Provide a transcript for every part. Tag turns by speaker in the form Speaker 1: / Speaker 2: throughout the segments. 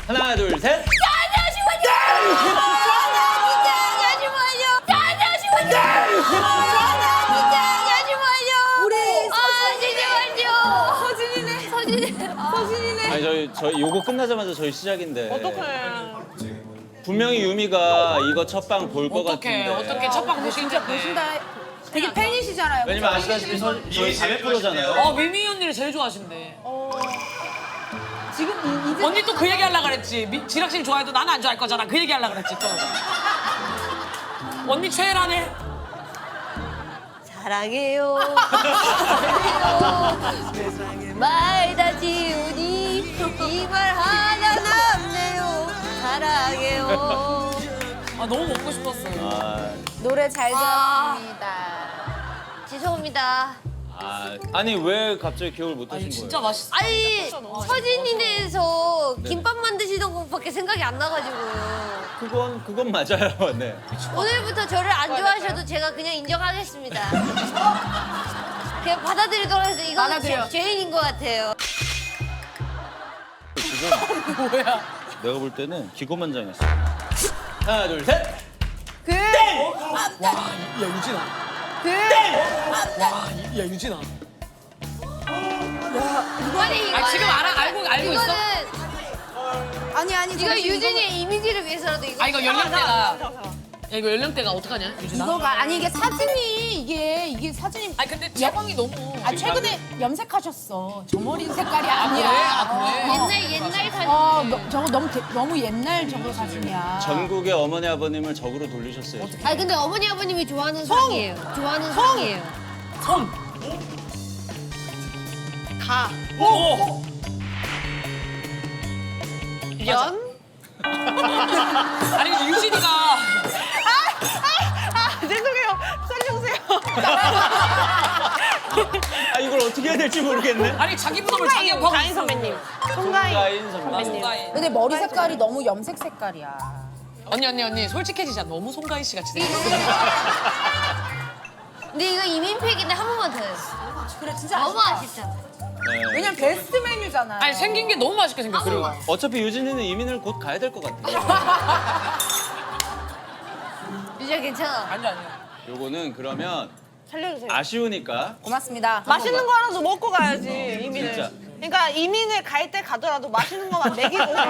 Speaker 1: 하나, 둘, 셋. 아니 저희 요거 끝나자마자 저희 시작인데.
Speaker 2: 어떡해.
Speaker 1: 분명히 유미가 이거 첫방 볼 것 같은데.
Speaker 2: 어떻게 첫방 보실 텐데.
Speaker 3: 되게 팬이시잖아요.
Speaker 1: 왜냐면 아시다시피 저희 400%잖아요.
Speaker 2: 미미 언니를 제일 좋아하신대.
Speaker 3: 지금 이제
Speaker 2: 언니 또 그 얘기 하려고 그랬지. 지락실 좋아해도 나는 안 좋아할 거잖아. 그 얘기 하려고 그랬지 또. 언니 최애라네.
Speaker 4: 사랑해요. 말 다 지우니 이 말 하나 남네요. 사랑해요.
Speaker 2: 아 너무 먹고 싶었어요.
Speaker 1: 아,
Speaker 3: 노래 잘 들었습니다.
Speaker 4: 죄송합니다.
Speaker 1: 아니 왜 갑자기 기억을 못 하신
Speaker 2: 아니
Speaker 1: 거예요?
Speaker 2: 진짜 맛있어.
Speaker 4: 아니 서진이네에서 김밥 만드시던 것밖에 생각이 안 나가지고요.
Speaker 1: 그건 맞아요. 네.
Speaker 4: 오늘부터 저를 안 좋아하셔도 제가 그냥 인정하겠습니다. 그냥 받아들이도록 해서 이건
Speaker 3: 받아들여.
Speaker 4: 죄인인 것 같아요.
Speaker 1: 지금
Speaker 2: 뭐야?
Speaker 1: 내가 볼 때는 기고만장했어. 하나, 둘, 셋.
Speaker 2: 야 유진아. 야 유진아.
Speaker 4: 아니 이거는
Speaker 2: 지금 알고 있어?
Speaker 4: 이거는
Speaker 3: 아니
Speaker 4: 이거 유진이의 이미지를 위해서라도 이거.
Speaker 2: 이거 연령대가. 야 이거 연령대가 어떡하냐 유진아?
Speaker 3: 이거가 아니 이게 사진이 이게 사진이
Speaker 2: 아니 근데 채광이 너무.
Speaker 3: 최근에 염색하셨어. 저 머리 색깔이 아니라.
Speaker 2: 그래?
Speaker 4: 옛날 사진.
Speaker 3: 저거 너무 옛날 저거 사진이야.
Speaker 1: 전국의 어머니 아버님을 적으로 돌리셨어요. 지금.
Speaker 4: 아니 근데 어머니 아버님이 좋아하는 상이에요. 좋아하는 상이에요.
Speaker 2: 성.
Speaker 4: 가.
Speaker 2: 오.
Speaker 4: 연.
Speaker 2: 아니 근데 유진이가.
Speaker 3: 죄송해요. 살려주세요.
Speaker 1: 아 이걸 어떻게 해야 될지 모르겠네.
Speaker 2: 아니 자기 부담을 자기 하고.
Speaker 4: 가인 선배님.
Speaker 1: 송가인 선배님.
Speaker 2: 송가인.
Speaker 3: 근데 머리 색깔이 너무 염색 색깔이야.
Speaker 2: 언니 솔직해지자. 너무 송가인 씨 같이 생겼어.
Speaker 4: 근데 이거 이민팩인데 한 번만 더 해요.
Speaker 3: 그래 진짜
Speaker 4: 너무 아쉽잖아.
Speaker 1: 네.
Speaker 3: 왜냐면 베스트 메뉴잖아.
Speaker 2: 아니 생긴 게 너무 맛있게 생겼어.
Speaker 1: 그리고 어차피 유진이는 이민을 곧 가야 될 것 같아요.
Speaker 4: 유지야 괜찮아.
Speaker 2: 아니야.
Speaker 1: 요거는 그러면
Speaker 5: 살려주세요.
Speaker 1: 아쉬우니까
Speaker 3: 고맙습니다.
Speaker 5: 맛있는 거라도 먹고 가야지 이민을.
Speaker 1: 진짜.
Speaker 5: 그러니까 이민을 갈 때 가더라도 맛있는 거만 먹이고
Speaker 2: 그래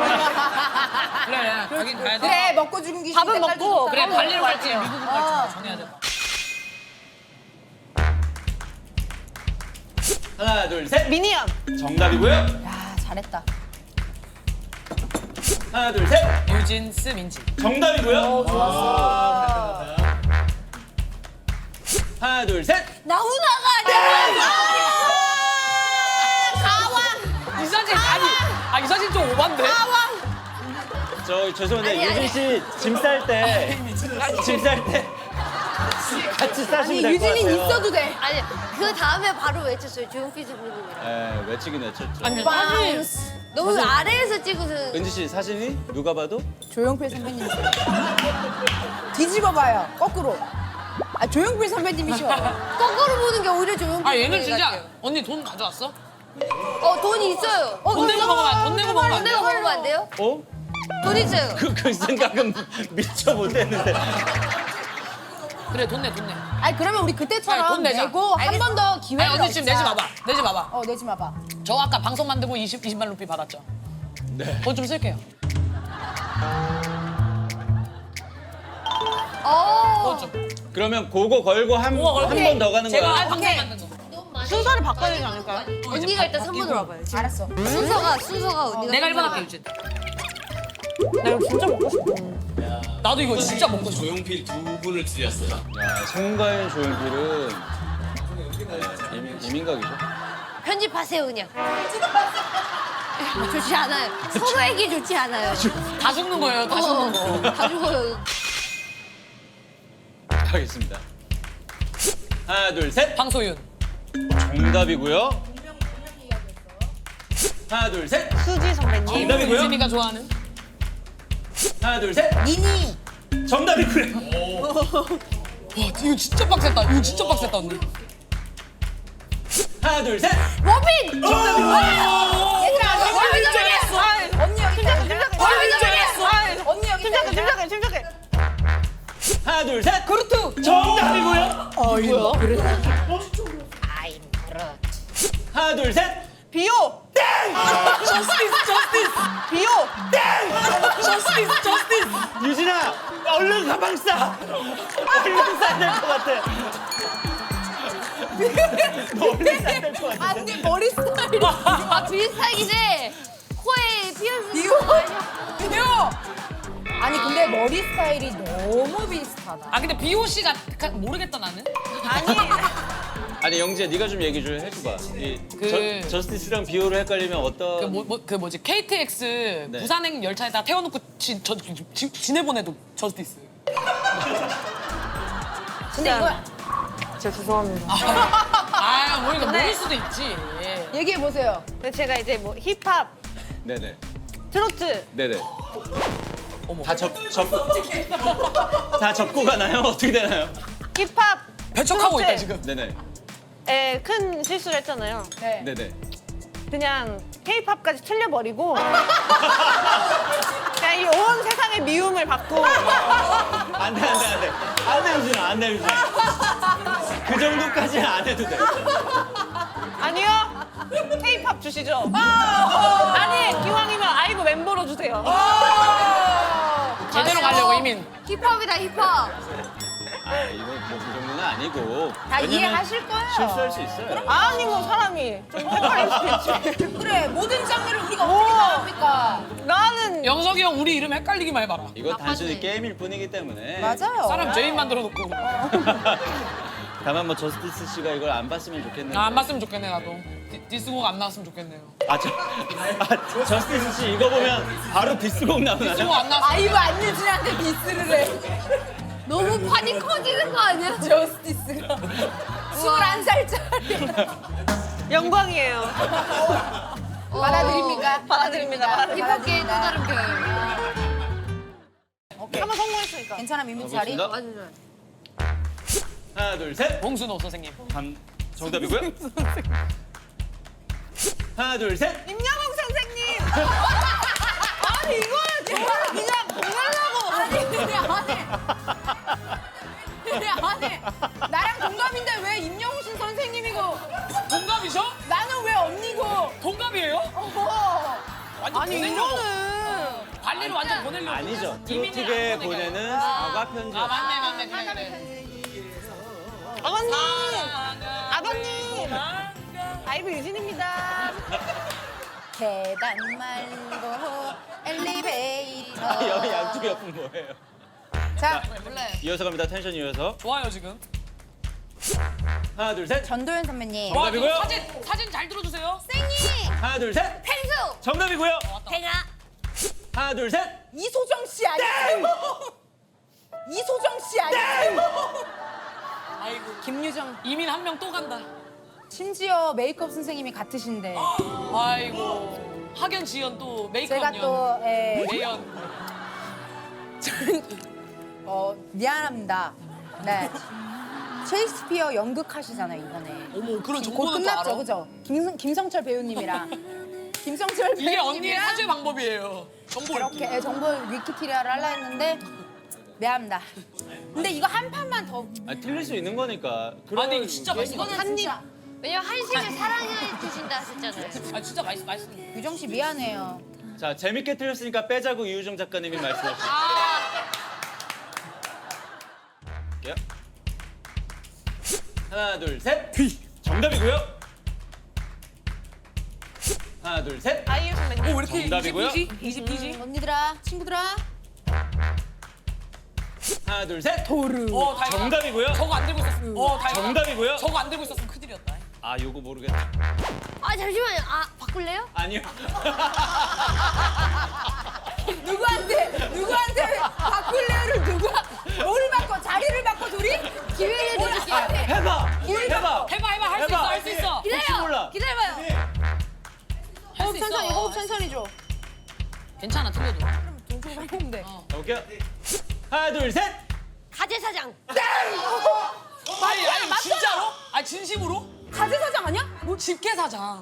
Speaker 2: 가긴 가야 돼.
Speaker 3: 그래 먹고 죽기
Speaker 5: 밥은
Speaker 3: 싫을 때까지
Speaker 5: 먹고
Speaker 3: 좋다.
Speaker 2: 그래 발리로 갈지 미국으로 갈지 정해야 돼.
Speaker 1: 하나, 둘, 셋.
Speaker 5: 미니언.
Speaker 1: 정답이고요.
Speaker 3: 야 잘했다.
Speaker 1: 하나, 둘, 셋.
Speaker 2: 유진스 민지.
Speaker 1: 정답이고요. 좋았어. 하나, 둘, 셋.
Speaker 4: 나훈아가
Speaker 2: 이 사진 아니 이 사진 좀 오반데.
Speaker 1: 저 죄송한데
Speaker 4: 아니,
Speaker 1: 유진 씨 짐 쌀 때 같이 싸시면 될 것 같아요.
Speaker 3: 유진이 있어도 돼.
Speaker 4: 아니 그 다음에 바로 외쳤어요. 조용필 선배님이랑.
Speaker 1: 네, 외치긴 외쳤죠.
Speaker 2: 아니
Speaker 4: 너무 아래에서 찍어서.
Speaker 1: 은지 씨 사진이 누가 봐도
Speaker 3: 조용필 선배님. 뒤집어 봐요. 거꾸로. 조용필 선배님이셔.
Speaker 4: 거꾸로 보는 게 오히려 조용필
Speaker 2: 아 얘는
Speaker 4: 선배님
Speaker 2: 진짜
Speaker 4: 같아요.
Speaker 2: 언니 돈 가져왔어?
Speaker 4: 돈 있어요.
Speaker 2: 돈 내고 먹으면 돈 내고 먹으면 안
Speaker 4: 돈 내고
Speaker 2: 돼요?
Speaker 4: 먹으면 안 돼요?
Speaker 1: 어?
Speaker 4: 돈 있어요.
Speaker 1: 그 생각은 미처 못했는데.
Speaker 2: 그래 돈 내.
Speaker 3: 아니 그러면 우리
Speaker 2: 아니,
Speaker 3: 그때처럼
Speaker 2: 돈 내자.
Speaker 3: 내고 한 번 더 기회를
Speaker 2: 아니 언니 지금 내지 마봐. 내지 마봐.
Speaker 3: 내지 마봐.
Speaker 2: 저 아까 방송 만들고 20만 루피 받았죠.
Speaker 1: 네.
Speaker 2: 돈 좀 쓸게요. 돈 좀.
Speaker 1: 그러면 그거 걸고 한 번 더 가는
Speaker 2: 제가
Speaker 1: 거야.
Speaker 2: 방송 만든 거.
Speaker 5: 순서를 바꿔야 되지 않을까요?
Speaker 4: 언니가 일단 3번으로 와봐요. 지금.
Speaker 3: 알았어.
Speaker 4: 순서가 언니가.
Speaker 2: 내가 1번 할게 유진. 나 이거 진짜 먹고 싶어. 나도 이거 진짜 먹고 싶어.
Speaker 6: 조용필 두 분을 드렸어요.
Speaker 1: 야, 송가인 조용필은 이민각이죠.
Speaker 4: 편집하세요 그냥. 좋지 않아요. 서로에게 좋지 않아요.
Speaker 2: 다 죽는 거예요. 다 죽는 거.
Speaker 4: 다 죽어요.
Speaker 1: 가겠습니다. 하나, 둘, 셋.
Speaker 2: 방소윤.
Speaker 1: 정답이고요. 하나, 둘, 셋.
Speaker 5: 수지 선배님.
Speaker 1: 정답이고요.
Speaker 2: 유진이가 좋아하는.
Speaker 1: 하나, 둘, 셋.
Speaker 3: 니니.
Speaker 1: 정답이고요.
Speaker 2: 와 이거 진짜 빡셌다. 이거 진짜 빡셌다 언니.
Speaker 1: 하나, 둘, 셋.
Speaker 4: 로빈!
Speaker 3: 얘들아, 언니 여기 있다. 언니 여기 있다. 뭐야?
Speaker 1: 하나 둘 셋.
Speaker 5: 비오.
Speaker 2: 저스티스.
Speaker 5: 비오.
Speaker 2: 저스티스.
Speaker 1: 유진아 얼른 가방 싸. 얼른 싸야 될 것 같아. 너 얼른 싸야 될 것 같아.
Speaker 3: 아니 머리 스타일이
Speaker 4: 아 비슷하긴 해. 코에 피어싱.
Speaker 3: 비오. 아니 근데 머리 스타일이 너무 비슷하다.
Speaker 2: 아 근데 비오 씨가 모르겠다 나는.
Speaker 5: 아니.
Speaker 1: 아니 영지야 네가 좀 얘기 좀 해줘봐. 저스티스랑 비오를 헷갈리면 어떤?
Speaker 2: 그 뭐지 KTX
Speaker 1: 네.
Speaker 2: 부산행 열차에다 태워놓고 지내보내도 저스티스.
Speaker 3: 근데 이거
Speaker 5: 진짜 죄송합니다.
Speaker 2: 아 모르니까
Speaker 5: 근데-
Speaker 2: 모를 수도 있지.
Speaker 3: 얘기해 보세요.
Speaker 5: 근데 제가 이제 뭐 힙합,
Speaker 1: 네네.
Speaker 5: 트로트,
Speaker 1: 네네.
Speaker 2: 어머.
Speaker 1: 다 접고 가나요? 어떻게 되나요?
Speaker 5: 힙합,
Speaker 2: 배척하고 있다
Speaker 5: 트로트에
Speaker 2: 지금.
Speaker 1: 네네.
Speaker 5: 큰 실수를 했잖아요.
Speaker 3: 네.
Speaker 1: 네네.
Speaker 5: 그냥 K-팝까지 틀려버리고 그냥 이 온 세상의 미움을 받고
Speaker 1: 안돼 유진아 안돼 유진아. 그 정도까지는 안 해도 돼.
Speaker 5: 아니요 K-팝 주시죠. 아니 기왕이면 아이브 멤버로 주세요.
Speaker 2: 제대로 가려고 이민.
Speaker 4: 힙합이다 힙합.
Speaker 1: 아 이거 뭐 그 정도는 아니고.
Speaker 3: 다
Speaker 1: 왜냐면
Speaker 3: 이해하실 거예요.
Speaker 1: 실수할 수 있어요.
Speaker 5: 아니 뭐 사람이 좀 헷갈릴 수도 있지.
Speaker 3: 그래 모든 장르를 우리가 어떻게 다 합니까?
Speaker 5: 나는
Speaker 2: 영석이 형 우리 이름 헷갈리기만 해봐라.
Speaker 1: 이거 단순히
Speaker 4: 나빴네.
Speaker 1: 게임일 뿐이기 때문에.
Speaker 3: 맞아요.
Speaker 2: 사람 죄인 만들어 놓고.
Speaker 1: 다만 뭐 저스티스 씨가 이걸 안 봤으면 좋겠는데.
Speaker 2: 안 봤으면 좋겠네 나도. 디스곡 안 나왔으면 좋겠네요.
Speaker 1: 저스티스 씨 이거 보면 바로 디스곡
Speaker 2: 디스곡
Speaker 1: 나오나요?
Speaker 2: 안 나왔으면.
Speaker 3: 아이브 안유진한테 디스를 해.
Speaker 4: 너무 판이 커지는 거 아니야?
Speaker 3: 저스티스가 21살짜리.
Speaker 5: 영광이에요.
Speaker 3: 받아들입니까?
Speaker 5: 받아들입니다.
Speaker 4: 힙합계의 또 다른 별.
Speaker 5: 한번 성공했으니까.
Speaker 3: 괜찮아 민민자리.
Speaker 1: 가보겠습니다.
Speaker 4: 맞아.
Speaker 1: 하나 둘 셋.
Speaker 2: 봉순호 선생님.
Speaker 1: 정답이고요. 하나 둘 셋.
Speaker 5: 임영웅 선생님. 아니 이거는 제가 그냥 보내려고.
Speaker 3: 아니 나랑 동갑인데 왜 임영웅 선생님이고
Speaker 2: 동갑이셔?
Speaker 3: 나는 왜 언니고?
Speaker 2: 동갑이에요? 완전
Speaker 5: 아니
Speaker 2: 보내려고.
Speaker 5: 이거는
Speaker 2: 관리를 완전 보내려고.
Speaker 1: 아니죠.
Speaker 2: 이민이랑
Speaker 1: 트로트계
Speaker 2: 안 보내게.
Speaker 1: 보내는 사과 편지.
Speaker 2: 아 맞네 그래.
Speaker 5: 아버님.
Speaker 2: 사랑아.
Speaker 5: 아버님. 아이브 유진입니다.
Speaker 3: 계단 말고 엘리베이터.
Speaker 1: 여기 양쪽 옆은 뭐예요?
Speaker 3: 자
Speaker 4: 몰라요.
Speaker 1: 이어서 갑니다. 텐션 이어서.
Speaker 2: 좋아요 지금.
Speaker 1: 하나 둘 셋.
Speaker 3: 전도연 선배님.
Speaker 2: 와,
Speaker 1: 정답이고요.
Speaker 2: 사진 잘 들어주세요.
Speaker 4: 생이
Speaker 1: 하나 둘 셋.
Speaker 4: 펭수
Speaker 1: 정답이고요.
Speaker 4: 팽아
Speaker 1: 하나 둘 셋.
Speaker 3: 이소정 씨 아니에요? 이소정 씨 아니에요?
Speaker 2: 아이고
Speaker 3: 김유정.
Speaker 2: 이민 한 명 또 간다.
Speaker 3: 심지어 메이크업 선생님이 같으신데
Speaker 2: 아이고 학연 지연 또 메이크업
Speaker 3: 제가
Speaker 2: 연.
Speaker 3: 또
Speaker 2: 매연.
Speaker 3: 미안합니다. 네. 셰익스피어 연극하시잖아요 이번에.
Speaker 2: 어머 그런
Speaker 3: 곧
Speaker 2: 정보는 또
Speaker 3: 끝났죠,
Speaker 2: 알아.
Speaker 3: 그죠? 김성철 배우님이랑 김성철
Speaker 2: 이게 언니의
Speaker 3: 배우님이랑
Speaker 2: 사죄 방법이에요. 정보
Speaker 3: 이렇게
Speaker 2: 읽기.
Speaker 3: 정보 위키티리아를 하려 했는데 미안합니다. 근데 이거 한 판만 더.
Speaker 1: 틀릴 수 있는 거니까.
Speaker 2: 아니 이거 진짜 맛있어.
Speaker 3: 이거는 진짜
Speaker 4: 왜냐면 한식을 사랑해 주신다 했잖아요.
Speaker 2: 아 진짜 맛있어.
Speaker 3: 유정 씨 미안해요.
Speaker 1: 자 재밌게 틀렸으니까 빼자고 이유정 작가님이 말씀하셨어요. 볼게요. 하나 둘 셋. 정답이고요. 하나 둘 셋.
Speaker 5: 아이유 선배님.
Speaker 2: 왜 이렇게
Speaker 1: 정답이고요.
Speaker 2: 이지?
Speaker 3: 언니들아, 친구들아.
Speaker 1: 하나 둘 셋.
Speaker 2: 어 다행이다.
Speaker 1: 정답이고요.
Speaker 2: 저거 안 들고 있었어. 다행이다.
Speaker 1: 정답이고요.
Speaker 2: 저거 안 들고 있었으면 큰일이었다.
Speaker 1: 아 요거 모르겠다.
Speaker 4: 아 잠시만요. 아 바꿀래요?
Speaker 1: 아니요.
Speaker 3: 누구한테 바꿀래요를 누가 뭘 바꿔? 자리를 바꿔 둘이?
Speaker 4: 기회를 드릴게요.
Speaker 1: 해봐. 해봐.
Speaker 2: 해봐 할 수 있어 할 수 있어.
Speaker 1: 혹시
Speaker 4: 기다려.
Speaker 1: 몰라.
Speaker 4: 기다려봐요.
Speaker 2: 할 수 있어.
Speaker 3: 호흡 천천히 줘.
Speaker 2: 괜찮아 틀려도.
Speaker 3: 근데.
Speaker 1: 볼게요. 하나 둘 셋.
Speaker 4: 가재사장.
Speaker 2: 아니 진짜로? 아니 진심으로?
Speaker 3: 가재 사장 아니야?
Speaker 2: 뭐 집게 사장.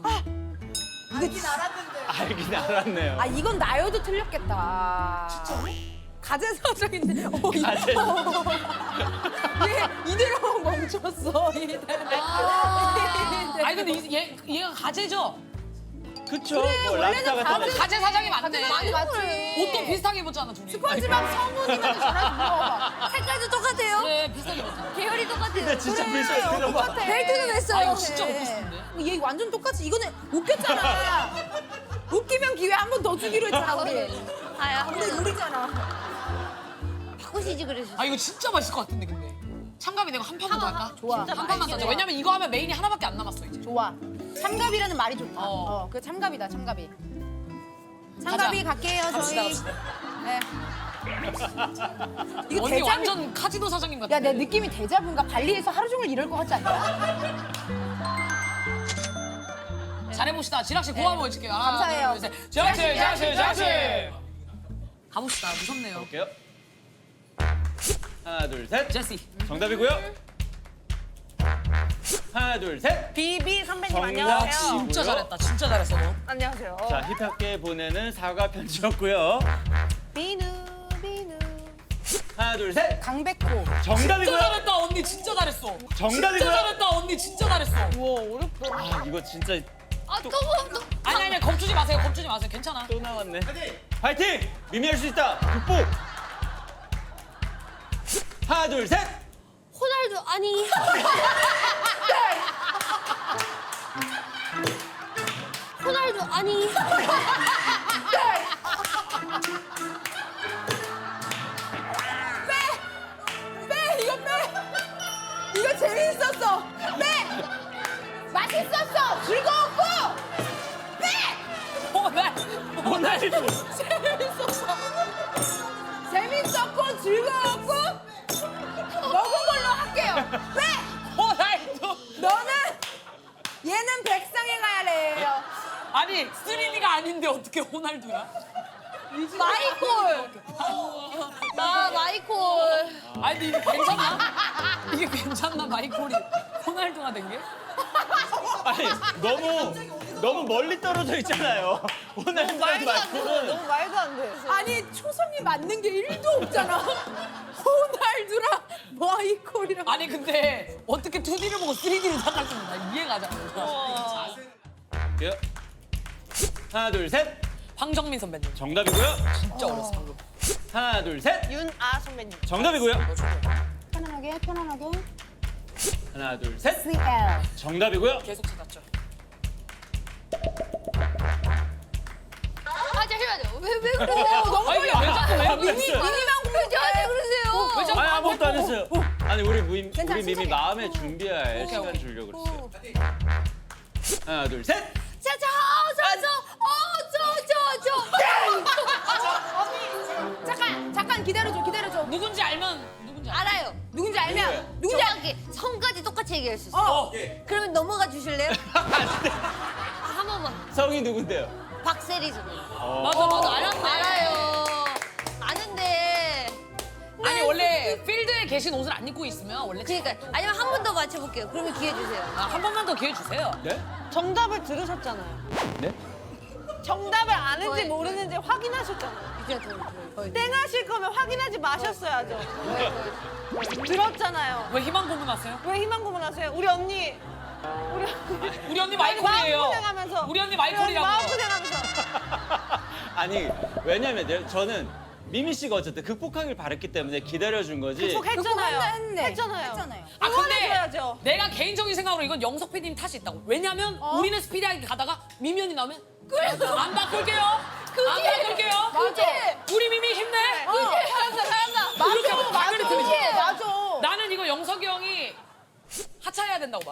Speaker 1: 알긴 알았네요.
Speaker 3: 아 이건 나여도 틀렸겠다. 진짜로?
Speaker 2: 가제 사정인데.
Speaker 1: 가제.
Speaker 2: 얘 이대로 멈췄어.
Speaker 5: 아니 근데 얘가 가재죠?
Speaker 1: 그쵸? 뭐 랍스타 같은 데.
Speaker 5: 가재 사장이 맞네.
Speaker 3: 많이 맞지.
Speaker 5: 옷도 비슷하게 입었잖아 둘이.
Speaker 3: 스펀지밥 성훈이면 전화 좀 물어봐.
Speaker 4: 색깔도 똑같아요.
Speaker 5: 그래 비슷하게 입었잖아.
Speaker 4: 계열이 똑같아요.
Speaker 1: 근데 진짜 비슷해. 들어봐.
Speaker 4: 벨트도 맸어요.
Speaker 5: 아 이거 진짜 먹고 싶은데.
Speaker 3: 얘 완전 똑같이. 이거는 웃겼잖아. 웃기면 기회 한 번 더 주기로 했잖아 우리.
Speaker 4: 아야.
Speaker 3: 근데 우리잖아.
Speaker 4: 바꾸시지 그러셨어.
Speaker 5: 아 이거 진짜 맛있을 것 같은데 근데. 참가비 내가 한 판만 더 할까?
Speaker 3: 좋아.
Speaker 5: 한 판만 더 하자. 왜냐면 이거 하면 메인이 하나밖에 안 남았어 이제.
Speaker 3: 좋아. 참갑이라는 말이 좋다.
Speaker 5: 어.
Speaker 3: 그 참갑이다 참갑이. 참갑이 갈게요
Speaker 5: 갑시다,
Speaker 3: 저희.
Speaker 5: 갑시다.
Speaker 3: 네. 이거
Speaker 5: 언니
Speaker 3: 대자뷰.
Speaker 5: 완전 카지노 사장님 같아.
Speaker 3: 야, 내 느낌이 대자뷰인가? 발리에서 하루 종일 이럴 것 같지 않냐?
Speaker 5: 잘해봅시다. 지락씨 고함 보여줄게요. 하나,
Speaker 3: 감사해요.
Speaker 5: 둘, 셋. 지락씨. 가봅시다. 무섭네요.
Speaker 1: 볼게요. 하나, 둘, 셋.
Speaker 5: 제시.
Speaker 1: 정답이고요. 하나, 둘, 셋.
Speaker 5: 비비 선배님
Speaker 1: 정답.
Speaker 5: 안녕하세요. 진짜 잘했다. 진짜 잘했어 너. 안녕하세요.
Speaker 1: 자, 힙합계 보내는 사과 편지였고요.
Speaker 5: 비누.
Speaker 1: 하나, 둘, 셋.
Speaker 3: 강백호.
Speaker 5: 진짜
Speaker 1: 정답이고요.
Speaker 5: 잘했다. 언니 진짜 잘했어.
Speaker 1: 정답이고요.
Speaker 5: 진짜 잘했다. 언니 진짜 잘했어. 우와 어렵다.
Speaker 1: 아, 이거 진짜
Speaker 4: 또
Speaker 5: 아니 겁주지 마세요. 괜찮아.
Speaker 1: 또 나왔네. 파이팅! 미미 할 수 있다. 극복. 하나, 둘, 셋.
Speaker 4: 호날두 아니. 호날두 아니.
Speaker 3: 빼! 이거 빼! 이거 재밌었어! 빼! 맛있었어! 즐거웠고! 빼!
Speaker 1: 호날두.
Speaker 3: 재밌었고 즐거웠고 먹은 걸로 할게요. 빼!
Speaker 5: 호날두.
Speaker 3: 너는 얘는 백상에 가야 돼요.
Speaker 5: 아니 3D가 아닌데 어떻게 호날두야?
Speaker 3: 마이콜.
Speaker 4: 나 마이콜.
Speaker 5: 아니 근데 이게 괜찮나? 이게 괜찮나 마이콜이 호날두가 된 게?
Speaker 1: 아니, 너무 멀리 떨어져 있잖아요. 호날두랑 마이콜은.
Speaker 5: 말도 안 돼.
Speaker 3: 아니 초성이 맞는 게 1도 없잖아. 호날두랑 마이콜이랑.
Speaker 5: 아니 근데 어떻게 2D를 보고 3D를 생각할 수 있나 이해가 잘 안 가.
Speaker 1: 볼게요. 하나, 둘, 셋.
Speaker 5: 황정민 선배님.
Speaker 1: 정답이고요.
Speaker 5: 진짜 어렸어 방금.
Speaker 1: 하나, 둘, 셋.
Speaker 5: 윤아 선배님.
Speaker 1: 정답이고요.
Speaker 3: 편안하게 편안하게.
Speaker 1: 하나, 둘, 셋.
Speaker 3: CL.
Speaker 1: 정답이고요.
Speaker 5: 계속 찾았죠.
Speaker 4: 아 잠시만요. 왜 그러세요?
Speaker 3: 너무
Speaker 5: 아니 왜 자꾸 왜 미미?
Speaker 4: 미미만 보면 저한테 그러세요.
Speaker 5: 왜 자꾸
Speaker 1: 아니, 아무것도 안 했어요. 아니, 우리 미미
Speaker 3: 천천히.
Speaker 1: 마음에 준비할 시간
Speaker 5: 오케이.
Speaker 1: 주려고 그랬어요. 하나, 둘, 셋.
Speaker 3: 잠깐 기다려줘 기다려줘.
Speaker 5: 누군지 알면 누군지 알아.
Speaker 4: 알아요.
Speaker 3: 누군지 알면 누군지
Speaker 4: 정확히 성까지 똑같이 얘기할 수 있어요.
Speaker 5: 어.
Speaker 4: 그러면 넘어가 주실래요?
Speaker 1: 안 돼.
Speaker 4: 한 번만.
Speaker 1: 성이 누군데요?
Speaker 4: 박세리 선배님.
Speaker 5: 맞아.
Speaker 4: 알아요. 아는데.
Speaker 5: 아니 원래 필드에 계신 옷을 안 입고 있으면 원래
Speaker 4: 그러니까 아니면 한 번 더 맞춰볼게요. 그러면 기회 주세요.
Speaker 5: 한 번만 더 기회 주세요.
Speaker 1: 네?
Speaker 6: 정답을 들으셨잖아요.
Speaker 1: 네?
Speaker 6: 정답을 아는지
Speaker 4: 거의.
Speaker 6: 모르는지 확인하셨잖아요.
Speaker 4: 이제 거의.
Speaker 6: 땡하실 거면 확인하지 마셨어야죠. 들었잖아요.
Speaker 5: 왜 희망 고문하세요?
Speaker 6: 왜 희망 고문하세요? 우리 언니.
Speaker 5: 우리 언니 마이콜이에요.
Speaker 6: 마음고생하면서.
Speaker 5: 우리 언니 마이콜이라고.
Speaker 6: 마음고생하면서.
Speaker 1: 아니, 왜냐면 저는 미미 씨가 어쨌든 극복하길 바랬기 때문에 기다려준 거지.
Speaker 6: 극복했잖아요.
Speaker 3: 했네.
Speaker 6: 했잖아요.
Speaker 5: 아 근데
Speaker 6: 응원해줘야죠.
Speaker 5: 내가 개인적인 생각으로 이건 영석 PD님 탓이 있다고. 왜냐면 우리는 스피디하게 가다가 미미 언니 나오면 안 바꿀게요. 안 바꿀게요. 우리 미미 힘내.
Speaker 3: 잘한다.
Speaker 5: 이렇게 하고 당연히 들리지.
Speaker 3: 맞아.
Speaker 5: 나는 이거 영석이 형이 하차해야 된다고 봐.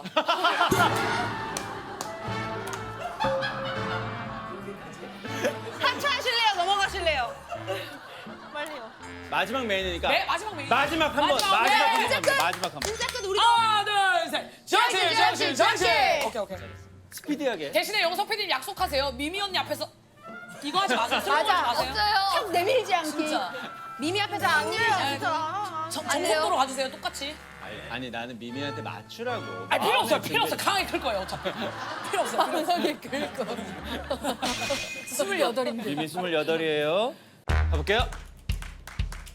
Speaker 6: 하차하실래요? 넘어가실래요? 빨리요.
Speaker 1: 마지막 메인이니까.
Speaker 5: 네, 마지막 메인.
Speaker 1: 마지막 한 번.
Speaker 5: 마지막
Speaker 1: 마지막 한
Speaker 5: 메인.
Speaker 1: 번. 갑니다. 마지막 한 번.
Speaker 3: 진짜 끝 우리
Speaker 5: 하나, 둘, 셋. 정신. 오케이.
Speaker 1: 스피디하게.
Speaker 5: 대신에 영석 PD님 약속하세요. 미미 언니 앞에서 이거 하지 마세요. 슬로우
Speaker 3: 맞아.
Speaker 5: 하지 마세요.
Speaker 4: 없어요.
Speaker 3: 탁 내밀지 않기.
Speaker 5: 진짜.
Speaker 3: 미미 앞에서 안 내려.
Speaker 5: 정석도로 가주세요. 똑같이.
Speaker 1: 아니, 나는 미미한테 맞추라고.
Speaker 5: 아니 필요 없어요.
Speaker 1: 마음에
Speaker 5: 필요 없어.
Speaker 1: 준비-
Speaker 5: 강하게 클 거예요. 어차피. 필요 없어. 강하게 클 거. 28인데.
Speaker 1: 미미 28이에요. 가볼게요.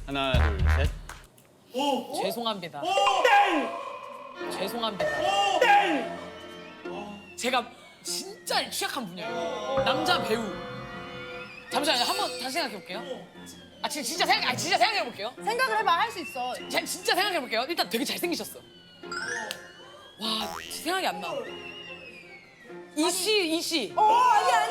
Speaker 1: 하나, 둘, 셋.
Speaker 5: 죄송합니다. 죄송합니다. 제가 진짜 취약한 분야예요. 남자 배우. 잠시만요. 한번 다시 생각해 볼게요. 진짜 생각해 볼게요.
Speaker 3: 생각을 해봐, 할 수 있어.
Speaker 5: 진짜 생각해 볼게요. 일단 되게 잘생기셨어. 와, 생각이 안 나. 이씨.
Speaker 3: 아니야.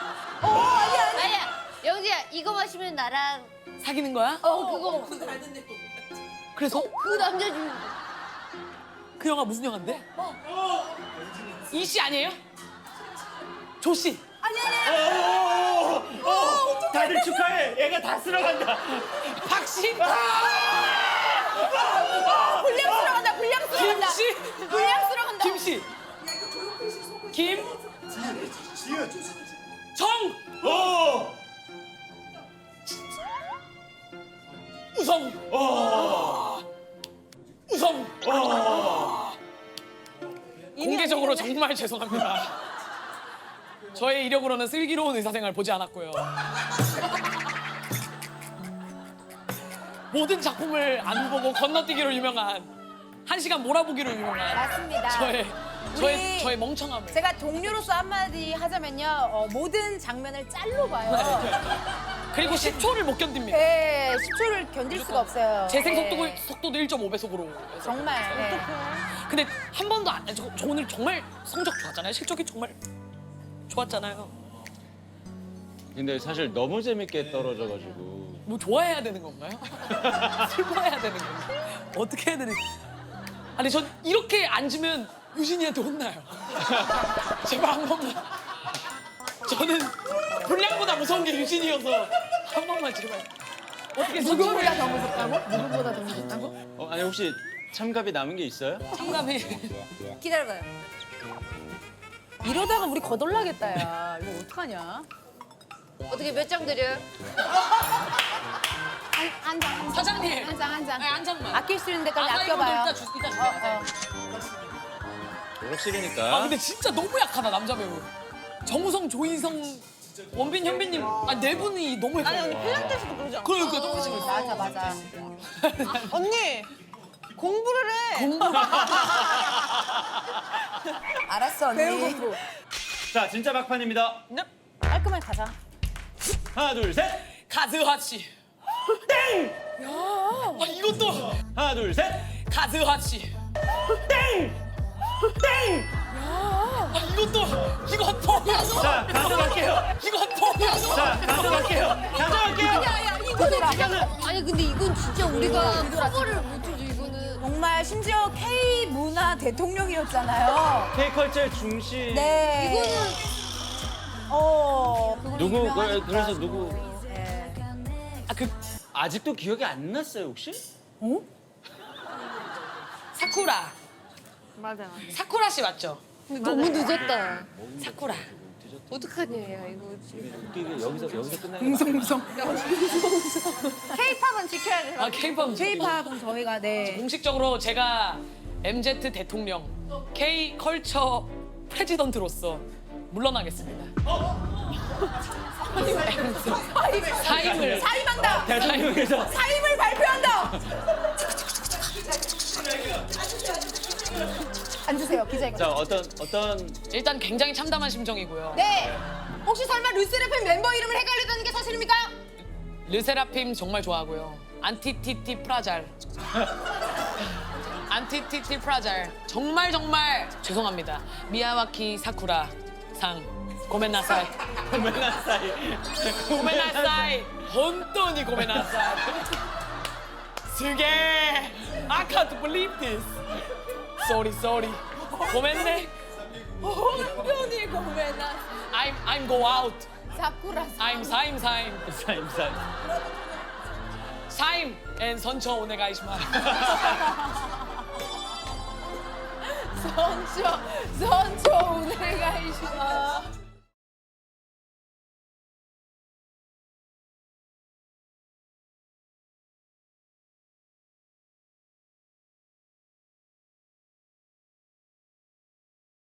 Speaker 4: 아니야. 영지야, 이거 마시면 나랑
Speaker 5: 사귀는 거야?
Speaker 4: 그거
Speaker 5: 그래서
Speaker 4: 그 남자 주인공.
Speaker 5: 그 영화 무슨 영화인데? 이씨 아니에요? 조씨.
Speaker 1: 다들 축하해. 얘가 다 쓸어간다.
Speaker 5: 박씨.
Speaker 3: 불량스러워간다, 불량스러워간다.
Speaker 5: 김씨.
Speaker 3: 불량스러워간다.
Speaker 5: 김씨. 김. 정.
Speaker 1: 오!
Speaker 5: 우성. 우성. 공개적으로 정말 죄송합니다. 저의 이력으로는 슬기로운 의사생활 보지 않았고요. 모든 작품을 안 보고 건너뛰기로 유명한 1시간 몰아보기로 유명한
Speaker 3: 맞습니다.
Speaker 5: 저의 멍청함을.
Speaker 3: 제가 동료로서 한마디 하자면요. 모든 장면을 짤로 봐요.
Speaker 5: 그리고 10초를 못 견딥니다.
Speaker 3: 네, 10초를 견딜 수가 없어요.
Speaker 5: 재생
Speaker 3: 네.
Speaker 5: 속도도 1.5배속으로.
Speaker 3: 정말. 네.
Speaker 5: 근데 한 번도 저 오늘 정말 성적 좋았잖아요. 실적이 정말 좋았잖아요.
Speaker 1: 근데 사실 너무 재밌게 떨어져가지고.
Speaker 5: 뭐 좋아해야 되는 건가요? 슬퍼해야 되는 건가요? 어떻게 해야 되는? 아니 전 이렇게 앉으면 유진이한테 혼나요. 제발 한 번만. 저는 분량보다 무서운 게 유진이어서 한 번만 제발. 어떻게
Speaker 3: 누구보다 더 무섭다고? 누구보다 더 무섭다고?
Speaker 1: 아니 혹시 참갑이 남은 게 있어요?
Speaker 5: 참감해.
Speaker 4: 기다려봐요.
Speaker 3: 이러다가 우리 거덜나겠다, 야. 이거 어떡하냐?
Speaker 4: 어떻게 몇 장 드려요?
Speaker 3: 한 장.
Speaker 5: 사장님.
Speaker 3: 한 장, 한 장.
Speaker 5: 한 장만.
Speaker 3: 아낄 수 있는 데까지
Speaker 5: 아까 이거도
Speaker 3: 아껴봐요.
Speaker 5: 이따 주세요.
Speaker 1: 졸업식이니까.
Speaker 5: 근데 진짜 너무 약하다 남자 배우. 정우성, 조인성, 원빈, 현빈님 네 분이 너무
Speaker 6: 아니 언니
Speaker 5: 약해요.
Speaker 6: 필라테스도 그러지 않아?
Speaker 5: 그러니까 똑같이 그랬어.
Speaker 3: 맞아.
Speaker 6: 언니 공부를 해.
Speaker 3: 알았어, 언니. 배우 공부.
Speaker 1: 자 진짜 막판입니다.
Speaker 3: 깔끔하게 가자.
Speaker 1: 하나, 둘, 셋.
Speaker 5: 가즈하치. 땡! 야. 이것도
Speaker 1: 하나, 둘, 셋.
Speaker 5: 가즈하치. 땡! 이것도
Speaker 1: 자 가져갈게요.
Speaker 5: 이것도
Speaker 1: 자 가져갈게요.
Speaker 4: 아니 근데 이건 진짜 우리가 커버를 못해줘 이거는.
Speaker 3: 정말 심지어 K 문화 대통령이었잖아요.
Speaker 1: K컬처의 중심.
Speaker 3: 네.
Speaker 4: 이거는
Speaker 3: 그걸로
Speaker 1: 누구
Speaker 3: 유명하니까.
Speaker 1: 그래서 누구
Speaker 3: 네.
Speaker 1: 아직도 기억이 안 났어요 혹시?
Speaker 5: 사쿠라.
Speaker 6: 맞아.
Speaker 5: 사쿠라 씨 맞죠?
Speaker 4: 근데 너무 늦었다.
Speaker 5: 사쿠라.
Speaker 4: 어떡하냐 이거.
Speaker 1: 웃기게 여기서 끝나는 거.
Speaker 6: K-팝은 지켜야 돼.
Speaker 5: K-pop.
Speaker 3: K-팝은 저희가 네.
Speaker 5: 공식적으로 제가 MZ 대통령 K 컬처 프레지던트로서 물러나겠습니다. 사임을
Speaker 3: 사임한다.
Speaker 1: 대통령께서
Speaker 3: 사임을 발표한다. 앉으세요, 기자님.
Speaker 1: 자 어떤
Speaker 5: 일단 굉장히 참담한 심정이고요.
Speaker 3: 네. 혹시 설마 르세라핌 멤버 이름을 헷갈렸다는 게 사실입니까?
Speaker 5: 르세라핌 정말 좋아하고요. 안티티티 프라잘. 안티티티 프라잘. 정말 죄송합니다. 미야와키 사쿠라 상 고멘나사이. 고멘나사이. 혼돈이 고멘나사이. 스게. I can't believe this. Sorry. 고멘네.
Speaker 3: 혼돈이 고메나.
Speaker 5: I'm go out.
Speaker 3: 사쿠라.
Speaker 5: I'm 사임. 사임 and 선처 오네가이시마.
Speaker 3: 선초 오네가이시마.